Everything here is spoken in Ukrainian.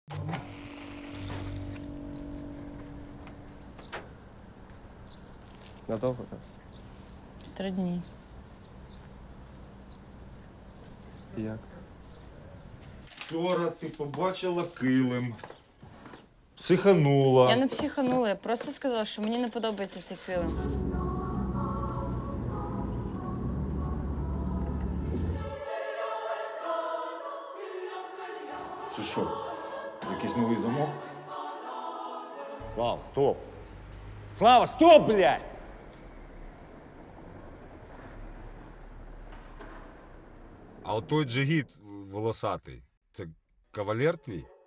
Надовго так? 3 дні. І як? Вчора ти побачила килим. Психанула. Я не психанула, я просто сказала, що мені не подобається цей фільм. Це що? Якийсь новий замок? Слава, стоп! Слава, стоп, блядь! А от той джигіт волосатий, це кавалер твій?